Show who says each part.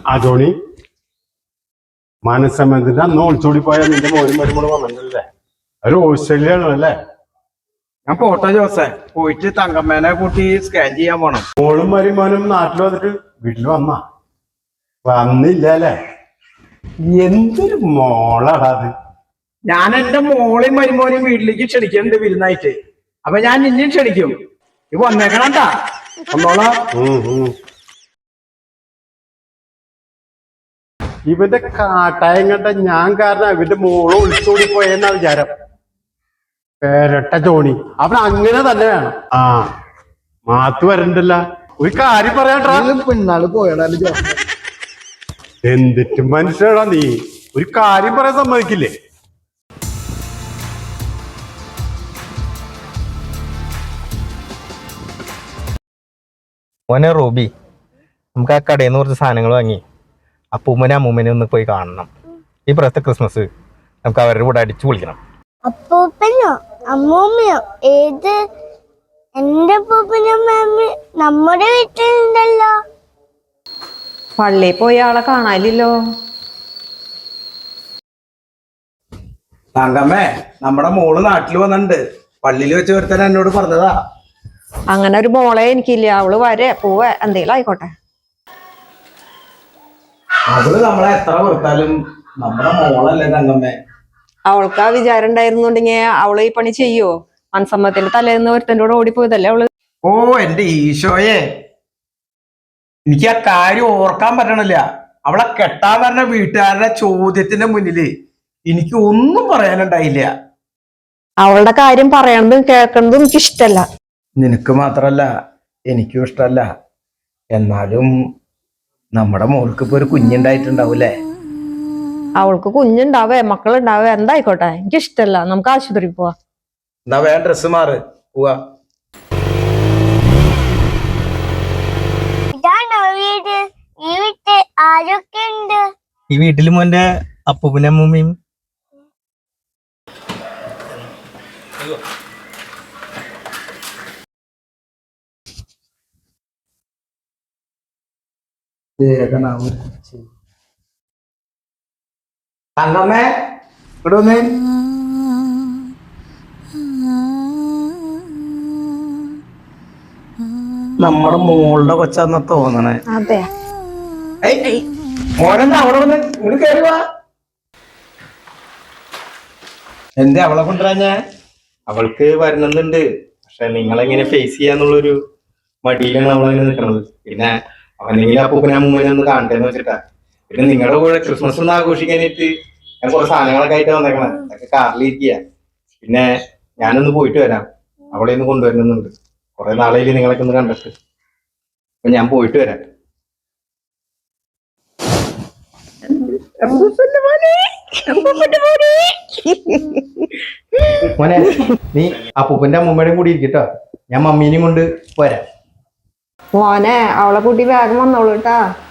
Speaker 1: ആ ജോണി മനസ്സമ്മതത്തിന്റെ അന്ന് ഒളിച്ചോടി പോയാൽ നിന്റെ മോനും വരുമ്പോൾ വന്നിട്ടല്ലേ ഒരു ഓസ്ട്രേലിയ അല്ലേ?
Speaker 2: ഞാൻ പോട്ടെ ജോസേ, പോയിട്ട് തങ്കമ്മേനെ കൂട്ടി സ്കാൻ ചെയ്യാൻ പോണം.
Speaker 1: മോളും മരുമോനും നാട്ടിൽ വന്നിട്ട് വീട്ടിൽ വന്നില്ല അല്ലേ? എന്തൊരു മോളാടാ അത്.
Speaker 2: ഞാൻ എന്റെ മോളെയും മരുമോനെയും വീട്ടിലേക്ക് ക്ഷണിക്കുന്നുണ്ട് വിരുന്നായിട്ട്. അപ്പൊ ഞാൻ നിന്നെയും ക്ഷണിക്കും. ഇത് വന്നേക്കണട്ടാ വന്നോളാ.
Speaker 1: ഇവന്റെ കാട്ടായം കണ്ട ഞാൻ കാരണം ഇവന്റെ മോള് ഒളിച്ചോടി പോയെന്നാ വിചാരം. പേരട്ട ജോണി അവൻ അങ്ങനെ തന്നെ വേണം. ആ മാത്തു വരണ്ടല്ല. ഒരു കാര്യം പറയാട്ടാ,
Speaker 2: പിന്നാള് പോയടാ.
Speaker 1: എന്തിട്ടും മനുഷ്യടാ നീ. ഒരു കാര്യം പറയാൻ സമ്മതിക്കില്ലേ?
Speaker 3: മോനെ റൂബി, നമുക്ക് ആ കടയിൽ നിന്ന് കുറച്ച് സാധനങ്ങൾ വാങ്ങി അപ്പൂമ്മനെ അമ്മൂമ്മനെ ഒന്ന് പോയി കാണണം. ഈ പ്രാവശ്യത്തെ ക്രിസ്മസ് നമുക്ക് അവരുടെ കൂടെ അടിച്ചു പൊളിക്കണം.
Speaker 4: അപ്പൂപ്പനോ അമ്മൂമ്മയോ? ഏത്? എന്റെ അപ്പൂപ്പനും അമ്മയും നമ്മുടെ വീട്ടിലുണ്ടല്ലോ.
Speaker 5: പള്ളിയിൽ പോയി ആളെ കാണാനില്ലല്ലോ.
Speaker 2: തങ്കമ്മേ, നമ്മുടെ മോള് നാട്ടിൽ വന്നിട്ടുണ്ട്. പള്ളിയിൽ വെച്ച് ഒരുത്തൻ എന്നോട് പറഞ്ഞതാ.
Speaker 5: അങ്ങനെ ഒരു മോളെ എനിക്കില്ല. അവള് വരെ പോവേ എന്തേലും ആയിക്കോട്ടെ.
Speaker 2: അവള് നമ്മളെ എത്ര വെറുത്താലും നമ്മുടെ മോളല്ലേ തങ്കമ്മേ.
Speaker 5: അവൾക്ക് ആ വിചാരം ഉണ്ടായിരുന്നുണ്ടെങ്കിൽ അവള് ഈ പണി ചെയ്യോ? മനസമ്മതത്തിന്റെ തലേന്ന് ഒരുത്തൻ്റെ കൂടെ ഓടിപ്പോയതല്ലേ അവള്.
Speaker 2: ഓ എന്റെ ഈശോയെ, എനിക്ക് ആ കാര്യം ഓർക്കാൻ പറ്റണില്ല. അവളെ കെട്ടാൻ പറഞ്ഞ വീട്ടുകാരുടെ ചോദ്യത്തിന്റെ മുന്നില് എനിക്ക് ഒന്നും പറയാനുണ്ടായില്ല.
Speaker 5: അവളുടെ കാര്യം പറയണതും കേൾക്കണതും എനിക്ക് ഇഷ്ടല്ല.
Speaker 2: നിനക്ക് മാത്രല്ല എനിക്കും ഇഷ്ടല്ല. എന്നാലും നമ്മുടെ മോൾക്ക് ഇപ്പൊ ഒരു കുഞ്ഞുണ്ടായിട്ടുണ്ടാവൂലേ?
Speaker 5: അവൾക്ക് കുഞ്ഞുണ്ടാവേ മക്കളുണ്ടാവേ എന്തായിക്കോട്ടെ, എനിക്ക് ഇഷ്ടല്ല. നമുക്ക് ആശുപത്രിയിൽ പോവാ.
Speaker 2: എന്നാ വേഗം ഡ്രസ്സ് മാറ്, പോവാ.
Speaker 4: ഇതാണോ വീട്? ഈ വീട്ടിൽ ആരൊക്കെ ഉണ്ട്?
Speaker 3: ഈ വീട്ടിൽ മോന്റെ അപ്പൂപ്പനും അമ്മൂമ്മയും.
Speaker 2: തങ്കമ്മേ, ഇവിടെ വന്നേ. നമ്മുടെ മോളുടെ കൊച്ചാന്ന തോന്നണേ.
Speaker 5: അതെ,
Speaker 2: മോനെന്താ അവിടെ വന്ന് ഇങ്ങോട്ട് കയറി വാ. എന്തേ അവളെ കൊണ്ടുവരാഞ്ഞേ?
Speaker 3: അവൾക്ക് വരണമെന്നുണ്ട്, പക്ഷെ നിങ്ങളെങ്ങനെ ഫേസ് ചെയ്യാന്നുള്ളൊരു മടിയിലാണ് നമ്മളങ്ങനെ നിൽക്കണത്. പിന്നെ അവനെങ്കിലും അപ്പൂപ്പനെ അമ്മൂമ്മനെ ഒന്ന് കാണട്ടെന്ന് വെച്ചിട്ടാ. പിന്നെ നിങ്ങളുടെ കൂടെ ക്രിസ്മസ് ഒന്ന് ആഘോഷിക്കാനായിട്ട് ഞാൻ കുറെ സാധനങ്ങളൊക്കെ ആയിട്ട് വന്നേക്കണേ. അതൊക്കെ കാറിലിരിക്കുക. പിന്നെ ഞാനൊന്ന് പോയിട്ട് വരാം. അവളെ ഒന്ന് കൊണ്ടുവരുന്നുണ്ട്. കുറെ നാളെയില്ലേ നിങ്ങളൊക്കെ ഒന്ന് കണ്ടിട്ട്. അപ്പൊ ഞാൻ പോയിട്ട് വരാം. മോനെ, നീ അപ്പൂപ്പന്റെ അമ്മൂമ്മയുടെയും കൂടി ഇരിക്കട്ടോ. ഞാൻ മമ്മീനെയും കൊണ്ട് പോരാ.
Speaker 5: മോനെ അവളെ കൂട്ടി വേഗം വന്നോളൂ കേട്ടാ.